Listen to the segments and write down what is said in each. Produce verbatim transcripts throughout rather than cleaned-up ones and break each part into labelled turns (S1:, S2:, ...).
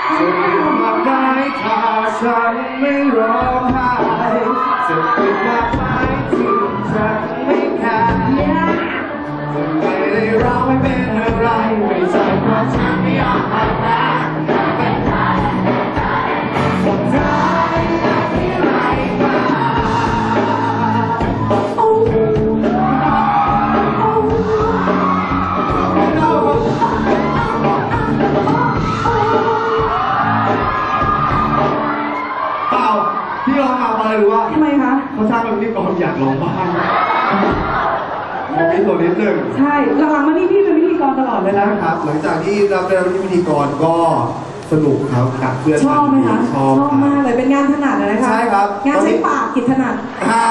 S1: จะปิดมากได้ถ้าฉันไม่ร้องไห้จะปิดมากได้ที่ฉันไม่แคร์ไม่ได้ร้องไม่เป็นอะไรไม่ใช่เพราะฉันไม่ยอมรับแล้วเป็นใครสุดท้ายจะที่ไรบ้างโอ้โหที่ร้องมาอะไรรู้ว่าทำไมคะเขาสร้างเป็นพิธีกรอยากร้องบ้างมีตัวนิดหนึ่งใช่หลังๆมานี่พี่เป็นพิธีกรตลอดเลยนะครับหลังจากที่เราได้รับพิธีกรก็สนุกครับกับเพื่อนชอบไหมคะชอบมากเลยเป็นงานถนัดเลยนะคะใช่ครับงานใช้ปากกิจถนัด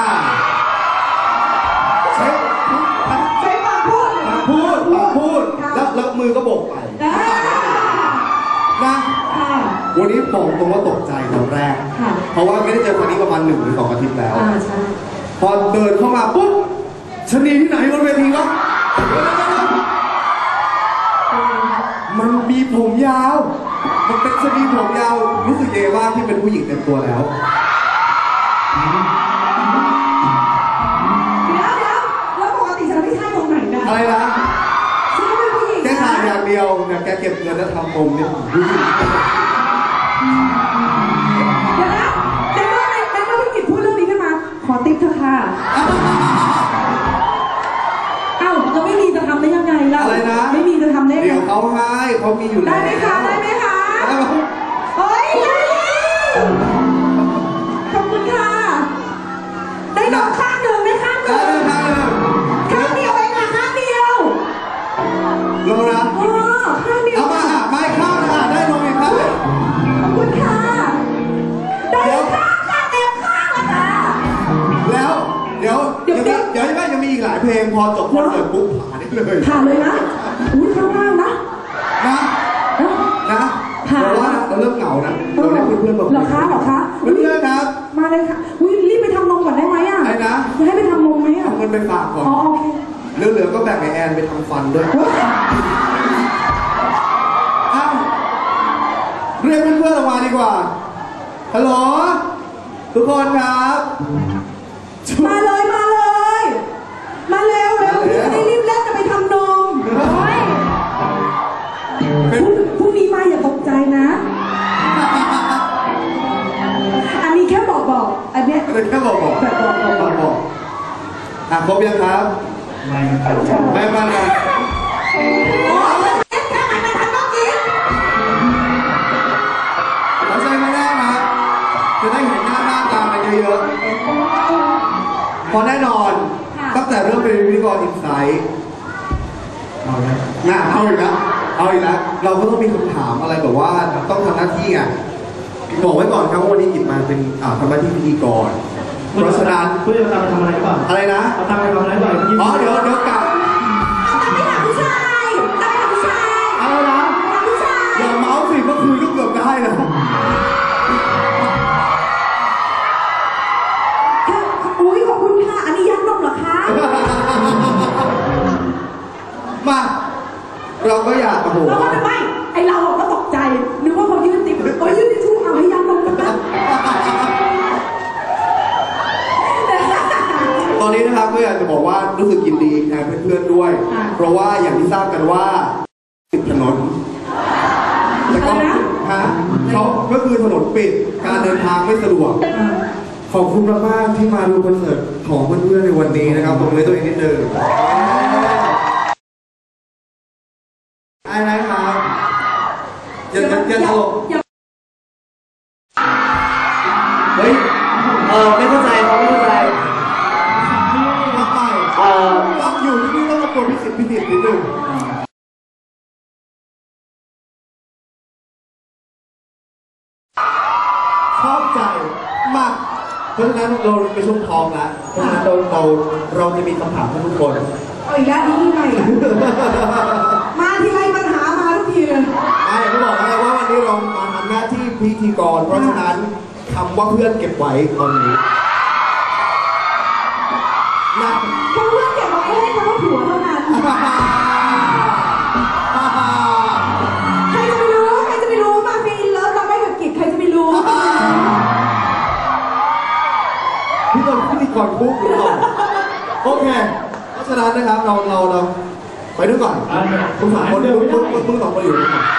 S1: ใช้ใช้ปากพูดพูดปากพูดแล้วแล้วมือก็โบกไปนะวันนี้บอกตรงว่าตกใจตอนแรกเพราะว่าไม่ได้เจอคนนี้ประมาณหนึ่งหรือสองอาทิตย์แล้วพอเดินเข้ามาปุ๊บชนีที่ไหนบนเวทีวะมันมีผมยาวมันเป็นชนีผมยาวรู้สึกเย่ว่าที่เป็นผู้หญิงเต็มตัวแล้วเดี๋ยวเดี๋ยวแล้วปกติฉันไม่ใช่ตรงไหนนะอะไรนะฉันก็เป็นผู้หญิงแค่ขาดอย่างเดียวเนี่ยแกเก็บเงินแล้วทำผมเนี่ยผู้หญิงเดี๋ยวนะเดี๋ยวนะเดี๋ยวนะพี่กิตพูดเรื่องนี้ขึ้นมาขอติ๊กเถอะค่ะเอ้าจะไม่มีจะทำได้ยังไงล่ะอะไรนะไม่มีจะทำได้เดี๋ยวเขาให้เขามีอยู่แล้วได้ไหมคะได้ไหมคะเฮ้ยขอบคุณค่ะได้ดอกข้างหนึ่งได้ข้างหนึ่งข้างเดียวเองค่ะข้างเดียวลงนะอ๋อข้างเดียวเอามาอ่ะไม่ข้างอ่ะได้ลงอีกครับขอบคุณค่ะได้ข้างค่ะเต็มข้างแล้วค่ะแล้วเดี๋ยวเดี๋ยวเดี๋ยวยังยังมีอีกหลายเพลงพอจบคอนเสิร์ตปุ๊บผ่านได้เลยผ่านเลยนะอุ้ยข้างล่างนะนะนะเพราะว่าเราเริ่มเหงานะเราได้เพื่อนๆแบบหรอคะหรอคะเพื่อนๆครับมาเลยค่ะอุ้ยรีบไปทำนมก่อนได้ไหมอ่ะไอ้นะจะให้ไปทำนมไหมอ่ะเอาเงินไปฝากก่อนอ๋อโอเคเหลือๆก็แบ่งให้แอนไปทำฟันด้วยเรียกเพื่อนๆออกมาดีกว่าฮัลโหลทุกคนครับมาเลยมาเลยมาเร็วเร็วพี่จะได้รีบเล่นจะไปทำนมพรุ่งนี้มาอย่าตกใจนะอันนี้แค่บอกบอกอันนี้แค่บอกบอกแบบบอกบอกบอกอ่ะครบยังครับไม่ไม่ไม่ไม่เราใช้ไม่ได้นะจะได้เห็นหน้าหน้าตากันเยอะๆพอแน่นอนตั้งแต่เริ่มเป็นพิธีกรอินไซต์เอาละน่าเอาอีกแล้วเอาอีกแล้วเราก็ต้องมีคำถามอะไรแบบว่าต้องทำหน้าที่ไงบอกไว้ก่อนครับว่าวันนี้หยิบมาเป็นทำหน้าที่พิธีกรเพราะฉะนั้นเพื่อจะทำอะไรบ้างอะไรนะทำอะไรทำอะไรบ้างอ๋อเดี๋ยวเดี๋ยวกลับเอาไปหาผู้ชายเอาไปหาผู้ชายอะไรนะหาผู้ชายอย่าเมาส์สิเมื่อคืนก็เกือบได้แล้วอุ้ยขอบคุณค่ะอันนี้ยัดนมเหรอคะมาเราก็อยากโอ้โหเราก็ไม่ไอเราก็ตกใจนึกว่าเขายืนติดก็ยืนติดชูเอาให้ยัดนมกันนะตอนนี้นะครับก็อยากจะบอกว่ารู้สึกยินดีแทนเพื่อนๆด้วยเพราะว่าอย่างที่ทราบกันว่าติดถนนแล้วก็ฮะเขาก็คือถนนปิดการเดินทางไม่สะดวกขอบคุณมากๆที่มาดูคอนเสิร์ตของเพื่อนๆในวันนี้นะครับผมเลยตัวเองนิดนึงไอ้ไรครับอย่าอย่าตลกเฮ้ยเออไม่เข้าใจเขาไม่เข้าใจทำไมเออต้องอยู่ที่นี่ต้องมาปวดพิสิทธิ์พิสิทธิ์นิดนึงชอบใจมากเพราะฉะนั้นเราไปชมทองแล้วเพราะฉะนั้นเราเราเราจะมีคำถามให้ทุกคนเอาอีกแล้วนี่ไงมาทีไรปัญหามาทุกทีเลยไอ้เขาบอกแล้วว่าวันนี้เรามาทำหน้าที่พิธีกรเพราะฉะนั้นคำว่าเพื่อนเก็บไว้ตรงนี้นะคำเพื่อนเก็บไว้ให้คำว่าผัวเท่านั้นใครจะไปรู้ใครจะไปรู้มาฟีนเลิฟเคเพราะฉะนั้นนะครับเราเราเราไปด้วยก่อนคุณสองคนคุณคุณคุณสองคนอยู่ด้วยก่อน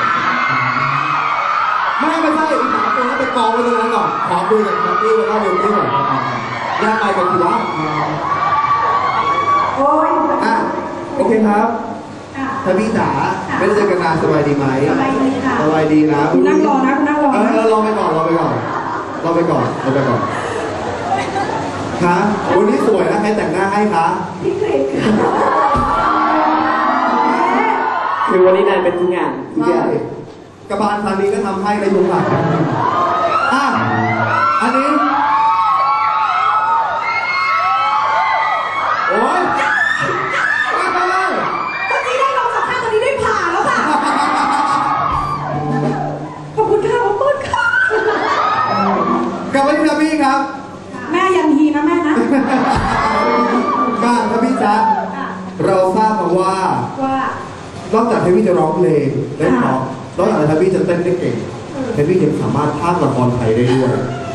S1: ไม่ไม่ใช่อีกสามคนนั้นไปกองไว้ตรงนั้นก่อนขอคุยกับแคทตี้แล้วก็เบลตี้ก่อนย่าไปกันทีละ
S2: โอ้ย
S1: อ่ะโอเคครับท่านพี่จ๋าไม่ได้เจอกันนานสบายดีไหมสบายดีค่ะสบายดีนะ
S2: คุณนั่งรอนะคุณนั่งรอ
S1: เออรอไปก่อนรอไปก่อนรอไปก่อนรอไปก่อนคะวันนี้สวยนะใครแต่งหน้าให้คะ
S2: พี่เกรด
S3: คือวันนี้นายเป็นทุกอย่าง
S1: ใช่กระบาลครั้งนี้ก็ทำให้ในยุคหลังอ่ะอันนี้โอ้ย
S2: คนนี้ได้ลงสัมภาษณ์คนนี้ได้ผ่านแล้วค่ะขอบคุณค่ะขอบคุณค่ะ
S1: กลับไปที่พี่ครับ
S2: แม่ยันฮีนะแม่นะ
S1: ก้าครับพี่จ๊ะเราทราบมาว่า
S2: ว่าน
S1: อกจากเทวี่จะร้องเพลงได้เพราะนอกจากเทวี่จะเต้นได้เก่งเทวี่ยังสามารถพากย์ละครไทยได้ด้วย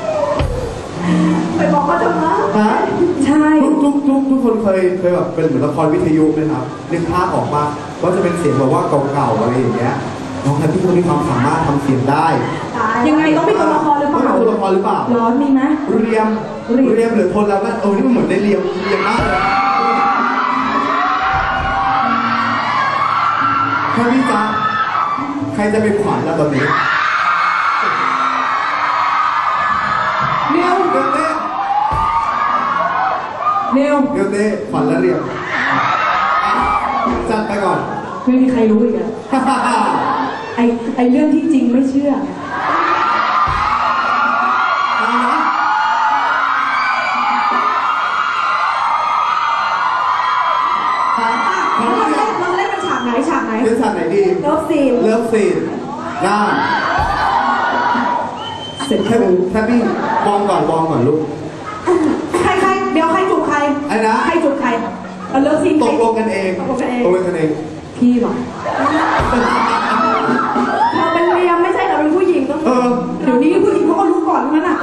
S2: ไปบอกเขาทำไม
S1: ฮะ
S2: ใช่
S1: ทุกทุกทุกคนเคยเคยแบบเป็นเหมือนละครวิทยุไหมครับนึกภาพออกมาว่าจะเป็นเสียงแบบว่าเก่าๆอะไรอย่างเงี้ยน้องเทวี่เขามีความสามารถทำเสียงได้
S2: ยังไงต้องมีตัวละครหรือเปล่า
S1: ตัวละครหรือเปล่า
S2: ร้อนมีไหม
S1: เรียมเรียมหรือทนแล้วก็โอ้นี่มันเหมือนได้เรียมเรียมมากเลยแค่พี่จ๊ะใครจะเป็นขวัญแล้วตอนนี้
S2: เนียว
S1: เดือดเต้
S2: เนียว
S1: เดือดเต้ขวัญและเรียมจัดไปก่อน
S2: ไม่มีใครรู้อีกอ่ะไอไอเรื่องที่จริงไม่เชื่อฉากไหน
S1: เป็นฉากไหนดี
S2: เลิฟซีน
S1: เลิฟซีนน่าเสร็จแค่แค่พี่มองก่อนมองก่อนลูก
S2: ใครใครเดี๋ยวใครจูบใคร
S1: ไอ้นะ
S2: ใครจูบใครเลิฟซีน
S1: ตกลงกันเอง
S2: ตกลงกันเอง
S1: ตกลงกันเอง
S2: พี่หรอเราเป็นเมียไม่ใช่เราเป็นผู้หญิงต้องเดี๋ยวนี้ผู้หญิงเขาก็รู้ก่อนนั่นน่ะ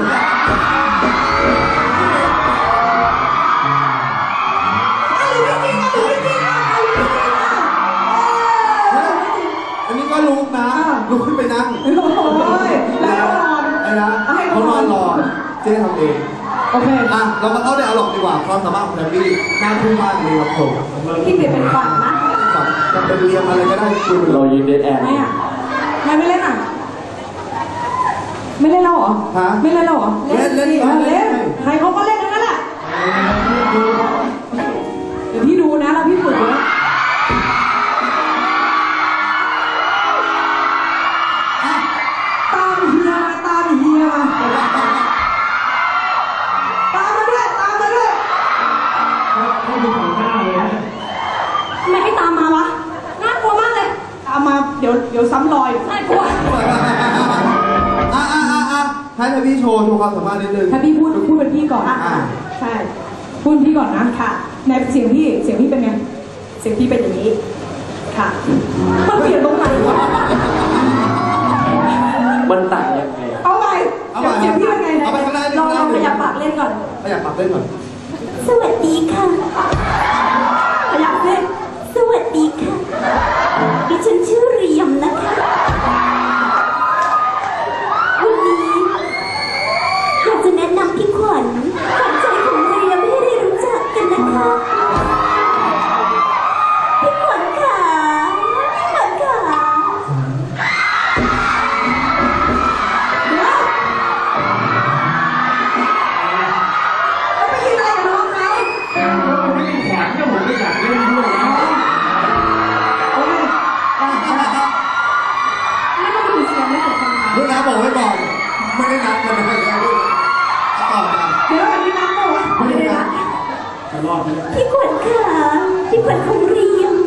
S1: ลุกนะลุกขึ้นไปนั่ง
S2: แล้วนอน
S1: ไอ้นะเขานอนรอเจ๊ทำเอง
S2: โอเค
S1: อ่ะเรามาเข้าในอารมณ์ดีกว่าความสามารถของแทมมี่หน้าทุ่งมากเลยครับผม
S2: พี่เปลี่ยนเป็นฝันนะ
S1: จะเป็นเรียมอะไรก็ได้คุ
S3: ณเรายืนเดทแอน
S2: ไม่อ่ะไม่ไม่เล่นอ่ะไม่เล่นเราเหรอ
S1: ฮะ
S2: ไม่เล่นเราเหรอ
S1: เล่นเล่น
S2: เล่นใครเขาก็เล่นกันนั่นแหละเดี๋ยวพี่ดูนะแล้วพี่ฝึกนะไม่ให้ตามมาวะน่ากลัวมากเลยตามมาเดี๋ยวเดี๋ยวซ้ำรอยน่ากลัว
S1: อ่ะอ่ะอ่ะอ่ะให้พี่โชว์โชว์ความสามารถนิดนึง
S2: ถ้าพี่พูดพูดเป็นพี่ก่อนอ่ะใช่พูดพี่ก่อนนะค่ะในเสียงพี่เสียงพี่เป็นไงเสียงพี่เป็นอย่างนี้ค่ะมันเปลี่ยนตรงไหนวะ
S3: มันต่างยังไง
S2: เอาไปเสียงพี่เป็นไง
S1: เอาไปข้างหน้า
S2: ลองลองขยับปากเล่นก่อน
S1: ขยับปากเล่นก่อน
S2: สวัสดีค่ะขยับเล่นสวัสดีค่ะดิฉันชื่อเรียมนะคะวันนี้อยากจะแนะนำพี่ขวัญขวัญใจของเรียมให้ได้รู้จักกันนะคะพี่ขวัญค่ะพี่ขวัญค่ะไปยืนอะไรกับน้องเขา
S3: ไม่มีขวัญก็ผมไม่อยากเล่นด้วยนะ
S1: ลูกน้าบอกไว้ก่อนไม่ได้นัดกันไม่ได้ลูกต่อมา
S2: เดี๋ยวอันนี้นัดป่ะ
S1: ไม่ได้นัด
S3: จะรอดไหม
S2: พี่ขวัญค่ะพี่ขวัญของเรียม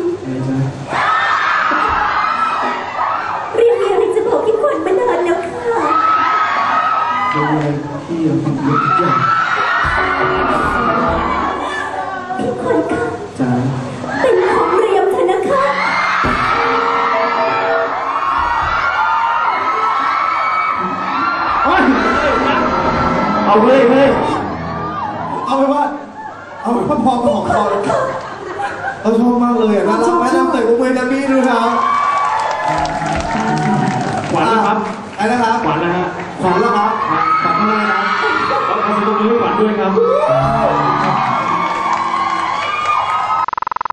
S2: เรียมมีอะไรจะบอกพี่ขวัญมานานแล้วค่ะ
S3: เป็นอะไรที่ยังทำเยอะทุกอย่าง
S2: พี่ขวัญค่ะ
S3: จ้า
S2: เป็นของเรียมเถอะนะคะ
S3: เอาเลยเลย
S1: เอาไปว่า
S3: เอาพอพอของคอเราชอบมากเลยอ่ะน่ารักไหมน้ำเตะกุ้งเวนามี่ดูครับ
S4: หวานนะครับ
S3: ไอ้นะครับ
S4: หวานนะฮะ
S3: ขวัญแล้วครับขวัญทำไมครับ
S4: เอาเอาตรงนี้หวานด้วยครับ